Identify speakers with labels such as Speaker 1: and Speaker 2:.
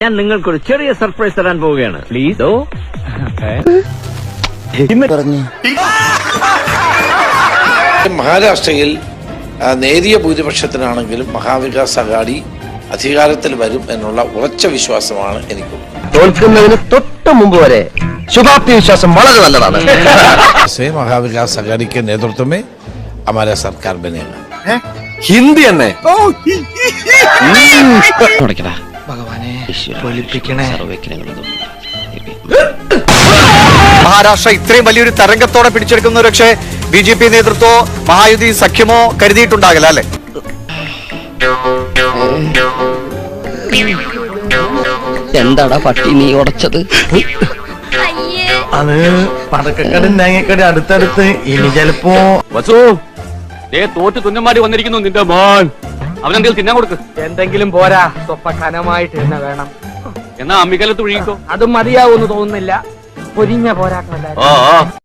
Speaker 1: ഞാൻ നിങ്ങൾക്കൊരു ചെറിയ സർപ്രൈസ് തരാൻ പോവുകയാണ്. പ്ലീസ്.
Speaker 2: മഹാരാഷ്ട്രയിൽ നേരിയ ഭൂരിപക്ഷത്തിനാണെങ്കിലും മഹാവികാസ് അഘാടി അധികാരത്തിൽ വരും എന്നുള്ള ഉറച്ച വിശ്വാസമാണ് എനിക്കുള്ളത്.
Speaker 3: തോൽക്കുന്നതിന് തൊട്ട് മുമ്പ് വരെ ശുഭാപ്തി വിശ്വാസം വളരെ നല്ലതാണ്.
Speaker 2: മഹാവികാസ് അഘാടി के नेतृत्व में हमारा सरकार बनेगा.
Speaker 3: ഹിന്ദി തന്നെ
Speaker 4: മഹാരാഷ്ട്ര ഇത്രയും വലിയൊരു തരംഗത്തോടെ പിടിച്ചെടുക്കുന്ന പക്ഷേ BJP നേതൃത്വമോ മഹായുതി സഖ്യമോ കരുതിയിട്ടുണ്ടാകില്ല അല്ലെ?
Speaker 5: എന്താടാ പട്ടി നീ ഉടച്ചത്?
Speaker 3: അത് പടക്കക്കട തേങ്ങക്കട അടുത്തടുത്ത് ഇനി ചിലപ്പോ
Speaker 6: തോറ്റ് തുന്നമാടി വന്നിരിക്കുന്നു നിന്റെ മോൻ. അവനെന്തെങ്കിലും തിന്നാൻ കൊടുക്ക്.
Speaker 7: എന്തെങ്കിലും പോരാ, സ്വപ്പ കനമായിട്ട് തന്നെ വേണം.
Speaker 6: എന്നാ അമ്മിക്കലത്ത് ഒഴുകിക്കോ.
Speaker 7: അതും മതിയാവൂന്ന് തോന്നുന്നില്ല. പൊരിഞ്ഞ പോരാട്ടമല്ല.